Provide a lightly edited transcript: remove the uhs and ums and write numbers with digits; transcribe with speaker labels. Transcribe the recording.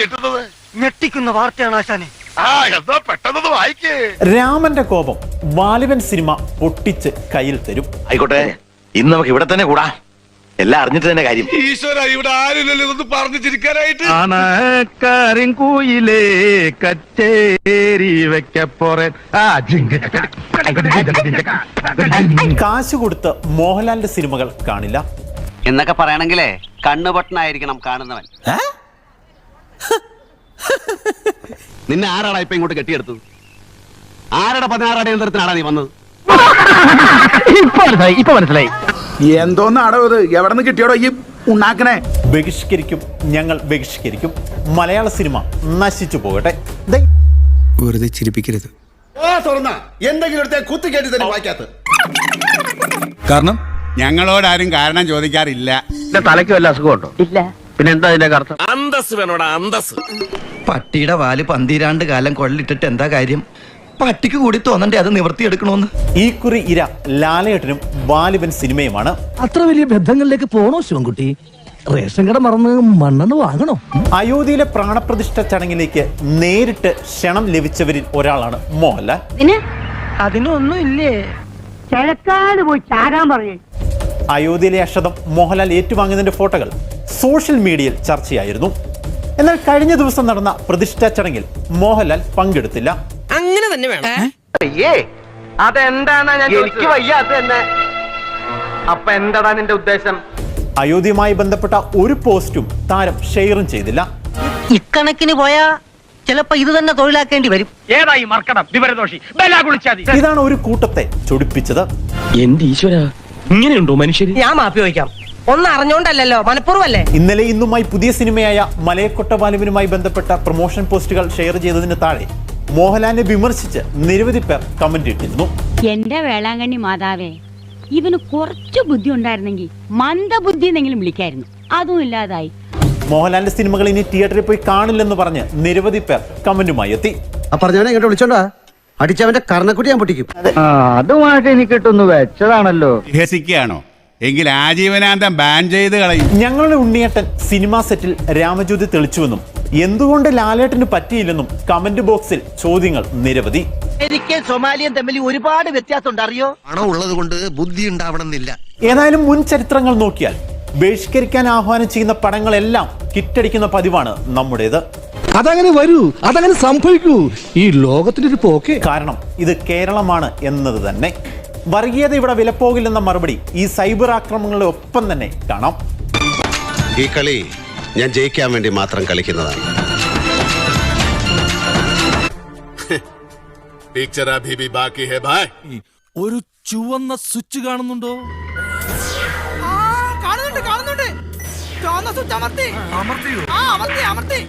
Speaker 1: കിട്ടുന്നത്?
Speaker 2: ഞെട്ടിക്കുന്ന വാർത്തയാണ് ആശാനെ.
Speaker 1: ആ എന്താ പെട്ടെന്ന് വായിക്കേ.
Speaker 3: രാമന്റെ കോപം വാലിബൻ സിനിമ പൊട്ടിച്ച് കയ്യിൽ തരും.
Speaker 4: ആയിക്കോട്ടെ, ഇന്ന് നമുക്ക് ഇവിടെ തന്നെ കൂടാ. എല്ലാം അറിഞ്ഞിട്ട് തന്നെ കാര്യം.
Speaker 1: ഈശ്വര, ഇവിടെ ആരില്ലല്ലോ ഇതൊന്ന് പറഞ്ഞു ചിരിക്കാനായിട്ട്.
Speaker 5: കൂയിലേ കച്ചേരി വെക്കപ്പോറേ
Speaker 3: കാശ് കൊടുത്ത് മോഹൻലാലിന്റെ സിനിമകൾ കാണില്ല
Speaker 6: എന്നൊക്കെ പറയണെങ്കിലേ കണ്ണുപൊട്ടനായിരിക്കണം കാണുന്നവൻ.
Speaker 5: നിന്നെ ആരാടാ ഇപ്പൊ ഇങ്ങോട്ട് കെട്ടിയെടുത്തത്? ആരുടെ 16 അടിയന്തരത്തിനാടാ നീ വന്നത്? ഇപ്പൊ മനസ്സിലായി.
Speaker 7: എന്തോന്നാടോ ഇത്? എവിടെ നിന്ന് കിട്ടിയോടോ ഈ ഉണ്ടാക്കണേ?
Speaker 3: ബഹിഷ്കരിക്കും, ഞങ്ങൾ ബഹിഷ്കരിക്കും. മലയാള സിനിമ നശിച്ചു പോകട്ടെ.
Speaker 8: വെറുതെ ചിരിപ്പിക്കരുത്.
Speaker 7: എന്തെങ്കിലും കുത്തി കേട്ടി തന്നെ വായിക്കാത്ത
Speaker 8: കാരണം
Speaker 7: ഞങ്ങളോടാരും കാരണം ചോദിക്കാറില്ല.
Speaker 5: തലയ്ക്ക് വല്ല അസുഖമുണ്ടോ? ഇല്ല. പിന്നെ എന്താ അതിന്റെ അർത്ഥം?
Speaker 1: അന്തസ് വേണോടാ, അന്തസ്.
Speaker 9: പട്ടിയുടെ വാല് 12 കാലം കൊള്ളിട്ടിട്ട് എന്താ കാര്യം? പട്ടിക്ക് കൂടി തോന്നണ്ടേ അത് നിവർത്തിയെടുക്കണോന്ന്.
Speaker 3: ഈ കുറി ഇര ലാലേട്ടനും വാലിബൻ സിനിമയുമാണ്.
Speaker 10: അത്ര വലിയ ബന്ധങ്ങളിലേക്ക് പോണോ ശിവൻകുട്ടി? റേഷൻ കട മറന്ന് മണ്ണെണ്ണ വാങ്ങണോ?
Speaker 3: അയോധ്യയിലെ പ്രാണപ്രതിഷ്ഠ ചടങ്ങിലേക്ക് നേരിട്ട് ക്ഷണം ലഭിച്ചവരിൽ ഒരാളാണ് മോഹൻലാൽ.
Speaker 2: അതിനൊന്നും ഇല്ലേ? കിഴക്കാട് പോയി ചാകാൻ പറയേ.
Speaker 3: അയോധ്യയിലെ അക്ഷതം മോഹൻലാൽ ഏറ്റുവാങ്ങുന്നതിന്റെ ഫോട്ടോകൾ സോഷ്യൽ മീഡിയയിൽ ചർച്ചയായിരുന്നു. എന്നാൽ കഴിഞ്ഞ ദിവസം നടന്ന പ്രതിഷ്ഠാ ചടങ്ങിൽ മോഹൻലാൽ പങ്കെടുത്തില്ല.
Speaker 2: അങ്ങനെ തന്നെ വേണം.
Speaker 6: അതെന്താ എനിക്ക് വയ്യ. അത് തന്നെ. അപ്പൊ എന്താടാ നിന്റെ ഉദ്ദേശം?
Speaker 3: അയോധ്യയുമായി ബന്ധപ്പെട്ട ഒരു പോസ്റ്റും താരം ഷെയറും ചെയ്തില്ല.
Speaker 2: ഇക്കണക്കിന് പോയാ ചിലപ്പോ ഇത് തന്നെ തൊഴിലാക്കേണ്ടി വരും.
Speaker 5: ഏതായി മർക്കണം വിവരദോഷി
Speaker 3: ഇതാണ് ഒരു കൂട്ടത്തെ ചൊടിപ്പിച്ചത്.
Speaker 5: എന്റെ ഈശ്വര, ഇങ്ങനെയുണ്ടോ മനുഷ്യര്?
Speaker 2: ഞാൻ മാപ്പി വയ്ക്കാം. ഒന്നും അറിഞ്ഞോണ്ടല്ലോ, മനഃപൂർവ്വല്ലേ.
Speaker 3: ഇന്നലെ ഇന്നുമായി പുതിയ സിനിമയായ മലയക്കൊട്ട വാലിബനുമായി ബന്ധപ്പെട്ട പ്രൊമോഷൻ പോസ്റ്റുകൾ ഷെയർ ചെയ്തതിന് താഴെ മോഹൻലാലിനെ വിമർശിച്ച് നിരവധി പേർ കമന്റ് ഇട്ടിരുന്നു.
Speaker 11: എന്റെ വേളാങ്കണ്ണി മാതാവേ, ഇവന് കുറച്ചു ബുദ്ധി ഉണ്ടായിരുന്നെങ്കിൽ മന്ദബുദ്ധി എന്നെങ്കിലും വിളിക്കായിരുന്നു. അതും ഇല്ലാതായി.
Speaker 3: മോഹൻലാലിന്റെ സിനിമകൾ ഇനി തിയേറ്ററിൽ പോയി കാണില്ലെന്ന് പറഞ്ഞ് നിരവധി പേർ കമന്റുമായി എത്തി.
Speaker 9: പറഞ്ഞവനെ ഇങ്ങോട്ട് വിളിച്ചോണ്ടാ അടിച്ചവന്റെ കർണക്കുട്ടി ഞാൻ പൊട്ടിക്കും.
Speaker 5: അതുമായിട്ട് എനിക്കിട്ടൊന്ന് വെച്ചതാണല്ലോ.
Speaker 7: രസിക്കുകയാണോ? എങ്കിൽ ആജീവനാന്തം ബാൻ ചെയ്ത് കളയും.
Speaker 3: ഞങ്ങളുടെ ഉണ്ണിയേട്ടൻ സിനിമാ സെറ്റിൽ രാമജ്യോതി തെളിച്ചുവെന്നും എന്തുകൊണ്ട് ലാലേട്ടന് പറ്റിയില്ലെന്നും കമന്റ് ബോക്സിൽ ചോദ്യങ്ങൾ നിരവധി.
Speaker 2: എനിക്ക് സൊമാലിയൻ തമ്മിൽ ഒരുപാട് വ്യത്യാസമുണ്ട്, അറിയോ?
Speaker 9: പണം ഉള്ളത് കൊണ്ട് ബുദ്ധി ഉണ്ടാവണമെന്നില്ല.
Speaker 3: ഏതായാലും മുൻ ചരിത്രങ്ങൾ നോക്കിയാൽ ബഹിഷ്കരിക്കാൻ ആഹ്വാനം ചെയ്യുന്ന പടങ്ങളെല്ലാം ഹിറ്റടിക്കുന്ന പതിവാണ് നമ്മുടേത്.
Speaker 10: അതങ്ങനെ വരൂ, അതങ്ങനെ സംഭവിക്കൂ. ഈ ലോകത്തിന്റെ ഒരു പോക്കേ.
Speaker 3: കാരണം ഇത് കേരളമാണ് എന്നത് തന്നെ. വർഗീയത ഇവിടെ വിലപ്പോകില്ലെന്ന മറുപടി ഈ സൈബർ ആക്രമണങ്ങളുടെ ഒപ്പം തന്നെ കാണാം.
Speaker 8: ഈ കളി ഞാൻ ജയിക്കാൻ വേണ്ടി മാത്രം കളിക്കുന്നതാണ്.
Speaker 1: പിക്ചർ അഭി ഭി ബാക്കി ഹൈ ഭായ്.
Speaker 10: ഒരു ചുവന്ന സ്വിച്ച് കാണുന്നുണ്ടോ?
Speaker 2: കാണുന്നുണ്ട്. ചുവന്ന സ്വിച്ച് അമർത്തി.